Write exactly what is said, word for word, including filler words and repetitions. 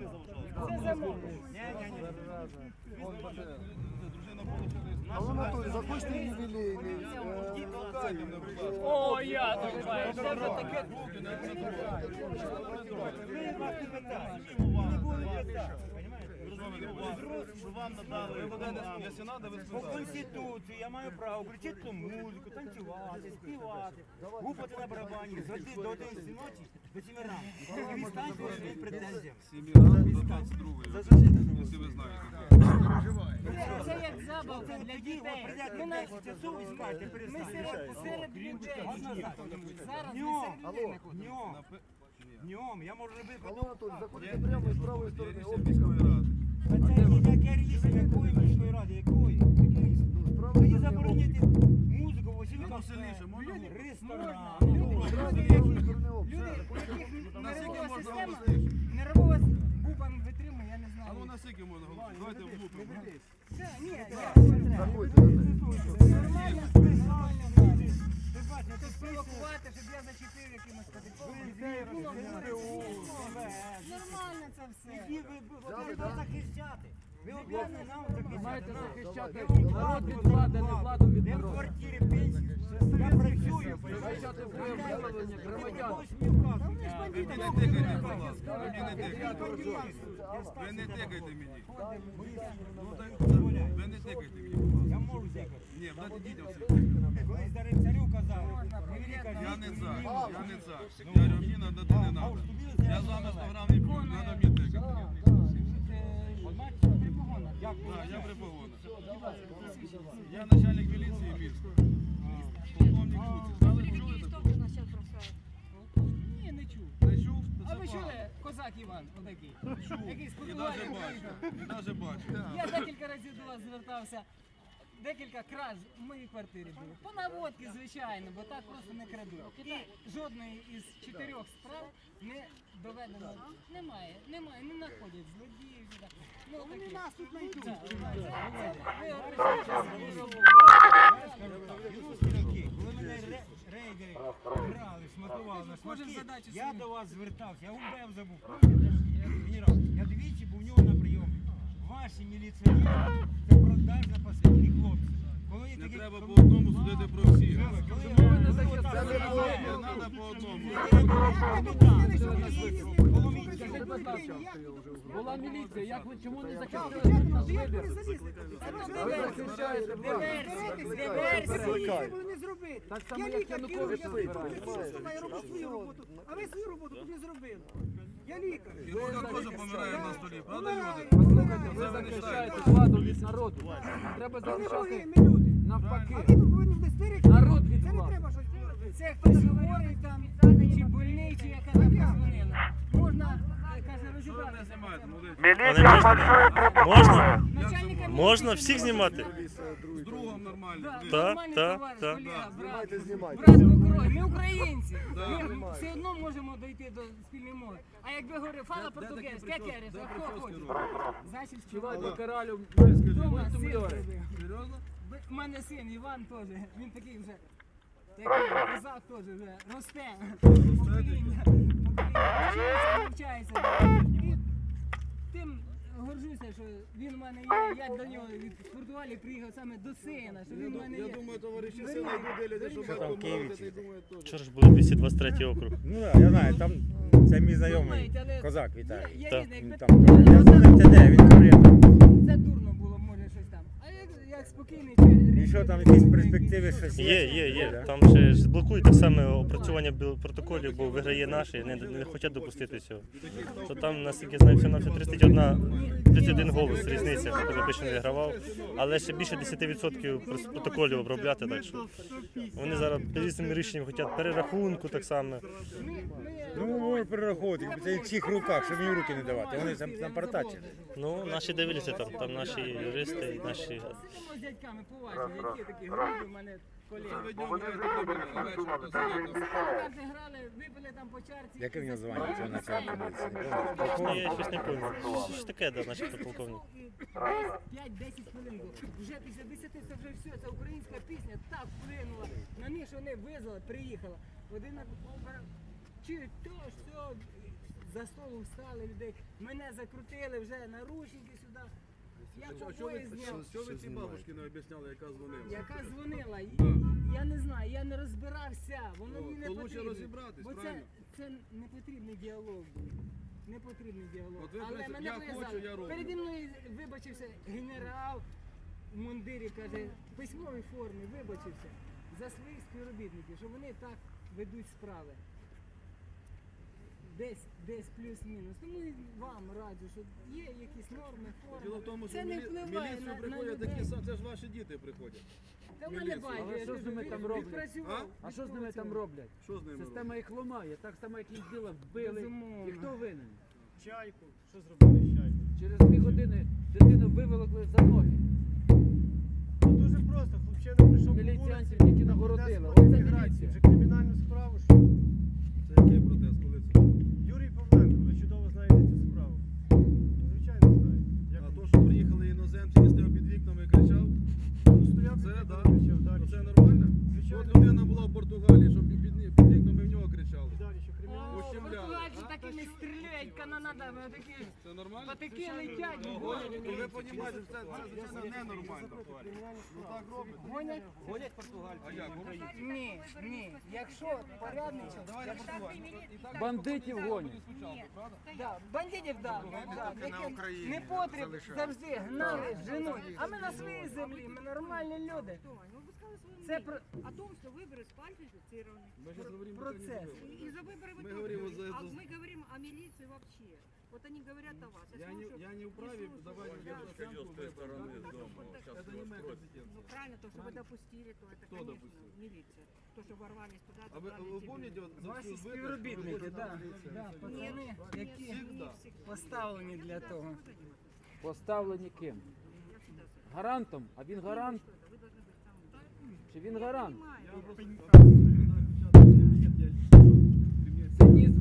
не заважали. Це замовлення. Ні-ні-ні. А воно тут, захочете ювілейний. О, я думаю, це вже таке. Що вам надали, якщо треба, ви По Конституції я маю право включити ту музику, танцювати, співати, гупати на барабані з до одинадцяти ночі до сіми ранку. І відстаньте від своїх претензій. сім'ї ранку до двадцять другої, якщо ви знаєте. Це як забавка для Тоді от дітей. прийдете Ми в на- десять часов і скажете, Ми перестаньте. серед, серед людей. Зараз ми Днем, серед людей знаходимося. днем, днем, я можу робити. Алло, Анатолій, заходите прямо з правої Є сторони. рішення міської ради. А це яке рішення, якої міської ради, якої? Яке рішення? Тоді заборонити музику в усіх Ну, сильніше, можна було? ресторанах. Люди, Правої які- сторони люди, обсяг. у яких Наскільки нервова можна система, голосніше? нервова бубан витримує, я не А ну знаю. наскільки можна голосувати? Давайте влупимо. Це, ні, я Заходьте. нормально, нормально, нормально. Це спровокувати, щоб я зачепив якимось категорієм. Нормально це все. Ви повинні нас захищати. Ви обов'язані нам захищати. Маєте захищати Я вам народ від владу, влади, не владу від де в народу. квартирі пенсії. Я працюю. Захищати своє виявлення громадян. Ви мені не тикайте, будь ласка. Ви мені не тикайте. Ви не тикайте мені. Ну, так, ви не тикайте мені, будь ласка. Я можу зекати. Ні, дайте дітям все. Колись Дарин царю казав, Я не за, я не за. Я говорю, мені надо, то не надо. Я з вами сто грам не п'ю, треба мені тикати. Так, я при погонах. Я начальник міліції міста. Полковник Куцик. Знали, чули таке? Ні, не чув. Не чув? То А це ви чули погано. козак Іван отакий? Який з І Португалії навіть бачу, приїхав. і навіть бачу. Я декілька разів до вас звертався. Декілька краж в моїй квартирі було. По наводці, звичайно, бо так просто не крадуть. І жодної із чотирьох справ не доведено. Немає, немає, не знаходять злодіїв. ні так. Ну, вони нас тут знайдуть. Ви обращаєтеся за свою роботу. Юрські, коли мене ре- рейдери грали, шматували на Кожен шматки, задачу я свою. до вас звертався, я УБМ забув. Генерал, я двічі був у нього на прийомі. Ваші міліціонери – це продажна пасивні хлопці. Коли є Не такі- треба по одному судити про всіх. Коли Не я- треба по одному. Скажіть, будь ласка, була міліція, як ви чому не захистили наш вибір? Ви захищаєте владу. не зробити. Так само, як Янукович збирає. Я роблю свою роботу, а ви свою роботу тут не зробили. Я лікар. І Лука теж помирає на столі, правда, люди? Послухайте, ви захищаєте владу від народу. А треба захищати люди. навпаки. Ви повинні вдасти Народ від влади. Це хтось говорить там, чи больний, чи яка там позвонила. Можна, е, каже, Що ви розібрати. не знімаєте, молодець? Можна? Начальника Можна міліції всіх знімати? З другом нормально. Да, блін. Так, нормальний так, товариш, так. колега, брат. Знімайте, знімайте. Брат покрой, ми українці. Да. Ми все одно можемо дойти до спільної мови. А якби говорив, фала португез, кекерес, а хто хоче? Значить, Співайте співати. коралю. Дома син Мультимільйонер. зробив. Серйозно? У мене син Іван теж, він такий вже, такий козак теж вже, росте, покоління, покоління, вчиться, навчається. І тим горжуся, що він в мене є, я до нього від Португалії приїхав саме до сина, що він в мене Я є. думаю, товариші сина йдуть дивляться, що Що батько там в Києві молодець, і думають теж. Вчора ж було двісті двадцять третій округ. Ну так, я знаю, там це мій знайомий Думають, але козак Є, Віталій. є Так. різне, Він якби там, це я знаю, це де, він корєвний. це дурно було, може щось там. А як, як спокійний чи І що там якісь перспективи, щось Є, є, є. Там ще ж блокують так само опрацювання біл- протоколів, бо виграє наші, не, не хочуть допустити цього. Що там, наскільки знаю, все на все тридцять один, тридцять один голос різниця, хто більше не вигравав, але ще більше десять відсотків прос- протоколів обробляти, так що вони зараз різними рішеннями хочуть перерахунку так само. Ну, можуть перераховувати, якби це в цих руках, щоб їм руки не давати. Вони там напартачили. Ну, наші дивляться там, там наші юристи і наші. Сидимо з дядьками поважні, які такі грубі в мене колеги. Ви днем граєте, добре, а вечір посидите. Так же грали, випили там по чарці. Яке в нього звання цього начальника міліції? Ну, я щось не пам'ятаю. Щось таке, да, начебто полковник. п'ять-десять хвилин було. Вже після десяти це вже все, це українська пісня так вплинула на них, що вони визвали, приїхала. Один на чи то, що за столу встали людей, мене закрутили вже наручники сюди. Я Що ви, побої зняв. що ви цій бабушці не об'ясняли, яка дзвонила? Яка дзвонила, і- я не знаю, я не розбирався, воно О, мені не то лучше потрібно. розібратись, Бо це, правильно? це не потрібний діалог. Не потрібний діалог. От ви Але прийшли, мене я пов'язали. хочу, я роблю. Переді мною вибачився генерал в мундирі, каже, в письмовій формі вибачився за своїх співробітників, що вони так ведуть справи. Десь, десь плюс-мінус. Тому і вам раджу, що є якісь норми, форми. Діло в тому, що Це в не мілі... впливає міліцію на, на приходять людей. такі самі, це ж ваші діти приходять. Та в мене міліцію. байдуже, Але я що ж з ними кажу, там від- роблять? відпрацював, А що з ними там роблять? Що з ними Система робить? їх ламає, так само, як їх діла вбили. Безумовно. І хто винен? Чайку. Що зробили з чайку? Через дві години дитину виволокли за ноги. Дуже просто, хлопчина прийшов по Міліціянтів вулиці, тільки нагородили. протест Оце проти міграції, міліція. вже кримінальну справу. що? Це який протест, коли це? Юрій Павленко, ви чудово знаєте цю справу. Ну, звичайно знаєте. Як А то, що приїхали іноземці і стояв під вікнами і кричав, він стояв, це, під да, вікном, кричав, далі. то це нормально? Звичайно. От людина була в Португалії, щоб під, під, під вікнами в нього кричали. Далі, що кримінальну О, Ущемляли, португальці а? такими стріляють, канонадами, такі Це нормально? патики летять, Ну, гонять. ви розумієте, це, це звичайно ненормально. Ну так робить. Гонять? Ходять португальці. А як? Ні, ні. Якщо порядний Давай я Португалію. І так Бандитів гонять. спочатку, правда? Да, бандитів, да, да, які непотріб завжди гнали, женуть. А ми на своїй землі, ми нормальні люди. Ну, вы сказали свое Це мнение про- о том, что выборы сфальсифицированы. Ми зараз говоримо про Процес. И за выборы вы Мы тоже говорим говорите. за- А за- мы говорим о милиции вообще. Вот они говорят о вас. Я не, я не вправе давать оценку выборам. Это не моя компетенция. Ну правильно, то, что вы допустили, то это, Кто конечно, допустил? милиция. То, что ворвались туда, А вы, вы помните, вот за Ваші всю збиток, співробітники, да, да, пацани, які Всегда. поставлені для того. Поставлені ким? Гарантом. А він гарант? Чи він гарант? Цинізм